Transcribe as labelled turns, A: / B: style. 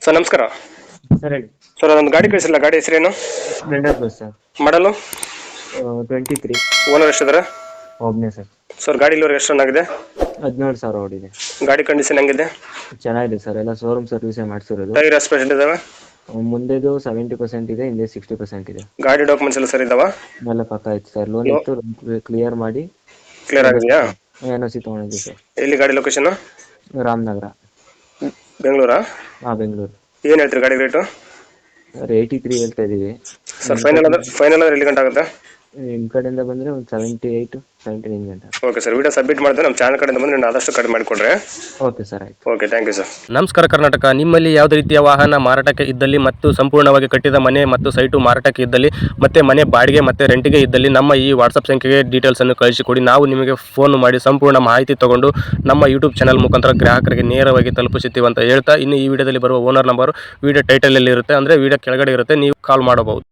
A: Sir ನಮಸ್ಕಾರ.
B: Sir ಹೇಳಿ.
A: Sir ಅದೊಂದು ಗಾಡಿ ಕಳಿಸಿಲ್ಲ, ಗಾಡಿ ಹೆಸರೇನು?
B: Splendor plus sir.
A: ಮಾಡಲು
B: 23.
A: ಓನರ್ ಎಷ್ಟಿದ್ದಾರೆ?
B: ಒಬ್ಬನೇ ಸರ್.
A: ಸರ್ ಗಾಡಿ ಇಲ್ಲಿವರೆಗೆ ಎಷ್ಟು ರನ್ ಆಗಿದೆ?
B: 17,000 ಓಡಿದೆ.
A: ಗಾಡಿ ಕಂಡೀಷನ್ ಹೆಂಗಿದೆ?
B: ಚೆನ್ನಾಗಿದೆ ಸರ್, ಎಲ್ಲ ಶೋರೂಮ್ ಸರ್ವಿಸೇ ಮಾಡಿಸಿರೋದು.
A: ಟೈರ್ ಎಷ್ಟು ಪರ್ಸೆಂಟ್ ಇದಾವೆ?
B: ಮುಂದೆದು 70% ಇದೆ, ಹಿಂದೆ 60% ಇದೆ.
A: ಗಾಡಿ ಡಾಕ್ಯುಮೆಂಟ್ಸ್ ಎಲ್ಲ ಸರ್ ಇದಾವ?
B: ಎಲ್ಲ ಪಕ್ಕ ಆಯ್ತು ಸರ್. ಲೋನ್ ಇತ್ತು, ಕ್ಲಿಯರ್ ಮಾಡಿ
A: ಕ್ಲಿಯರ್ ಆಗಿದೆಯಾ?
B: NOC ತೊಗೊಂಡಿದ್ದೆ ಸರ್.
A: ಎಲ್ಲಿ ಗಾಡಿ ಲೊಕೇಶನ್?
B: ರಾಮನಗರ.
A: ಬೆಂಗಳೂರಾ?
B: ಬೆಂಗಳೂರು.
A: ಏನು ಹೇಳ್ತೀರಿ ಗಾಡಿ ರೇಟು?
B: ಸರ್ 83 ಹೇಳ್ತಾ ಇದ್ದೀವಿ.
A: ಸರ್ ಫೈನಲ್ ಅಂದ್ರೆ ಎಲ್ಲಿ ಗಂಟೆ ಆಗುತ್ತೆ?
B: ನಿಮ್ಮ ಕಡೆಯಿಂದ ಬಂದರೆ ಒಂದು 78, 79 ಗಂಟೆ.
A: ಓಕೆ ಸರ್, ವಿಡಿಯೋ ಸಬ್ಮಿಟ್ ಮಾಡಿದ್ರೆ ನಮ್ಮ ಚಾನಲ್ ಕಡೆಯಿಂದ ಬಂದರೆ ನಾನು ಆದಷ್ಟು ಕಡಿಮೆ ಮಾಡಿಕೊಡ್ರೆ.
B: ಓಕೆ ಸರ್, ಆಯ್ತು.
A: Okay, thank you sir.
C: ನಮಸ್ಕಾರ ಕರ್ನಾಟಕ. ನಿಮ್ಮಲ್ಲಿ ಯಾವುದೇ ರೀತಿಯ ವಾಹನ ಮಾರಾಟಕ್ಕೆ ಇದ್ದಲ್ಲಿ ಮತ್ತು ಸಂಪೂರ್ಣವಾಗಿ ಕಟ್ಟಿದ ಮನೆ ಮತ್ತು ಸೈಟು ಮಾರಾಟಕ್ಕೆ ಇದ್ದಲ್ಲಿ ಮತ್ತೆ ಮನೆ ಬಾಡಿಗೆ ಮತ್ತು ರೆಂಟಿಗೆ ಇದ್ದಲ್ಲಿ ನಮ್ಮ ಈ ವಾಟ್ಸಪ್ ಸಂಖ್ಯೆಗೆ ಡೀಟೇಲ್ಸನ್ನು ಕಳಿಸಿಕೊಡಿ. ನಾವು ನಿಮಗೆ ಫೋನ್ ಮಾಡಿ ಸಂಪೂರ್ಣ ಮಾಹಿತಿ ತಗೊಂಡು ನಮ್ಮ ಯೂಟ್ಯೂಬ್ ಚಾನಲ್ ಮುಖಾಂತರ ಗ್ರಾಹಕರಿಗೆ ನೇರವಾಗಿ ತಲುಪಿಸುತ್ತೀವಿ ಅಂತ ಹೇಳ್ತಾ, ಇನ್ನು ಈ ವಿಡಿಯೋದಲ್ಲಿ ಬರುವ ಓನರ್ ನಂಬರು ವಿಡಿಯೋ ಟೈಟಲಲ್ಲಿ ಇರುತ್ತೆ, ಅಂದರೆ ವಿಡಿಯೋ ಕೆಳಗಡೆ ಇರುತ್ತೆ, ನೀವು ಕಾಲ್ ಮಾಡಬಹುದು.